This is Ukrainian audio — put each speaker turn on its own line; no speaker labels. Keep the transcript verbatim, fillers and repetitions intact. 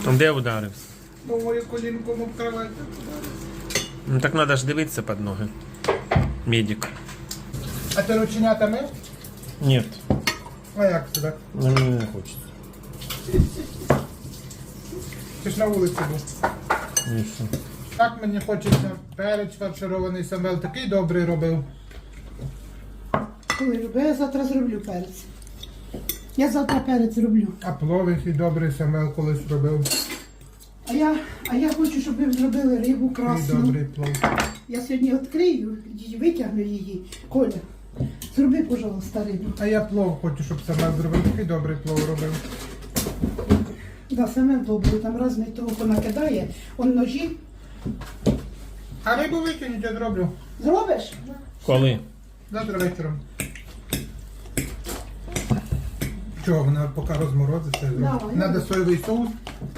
Де ударився?
Новою колінком об кровать.
Ну так треба ж дивитися під ноги. Медик.
А ти рученята мив?
Ні,
А як тебе?
мені не хочеться.
Ти ж на вулиці був.
Ні, що.
Так мені хочеться. Перець фарширований Самвел такий добрий робив.
Коли люблю, я завтра зроблю перець. Я завтра перець зроблю.
А плов який добрий Самвел колись робив.
А я, а я хочу, щоб ви зробили рибу
Такий
красну.
добрий плов.
Я сьогодні відкрию, і витягну її. Коля, зроби, пожалуйста, рибу.
А я плов хочу, щоб Самвел зробив. Такий добрий плов робив.
Да, саме добре, там разний того понакидає. Он ножі.
А рибу викинуть, я зроблю.
Зробиш?
Коли?
Завтра вечором. Чого, вона поки розморозиться.
Давай.
Надо соєвий соус.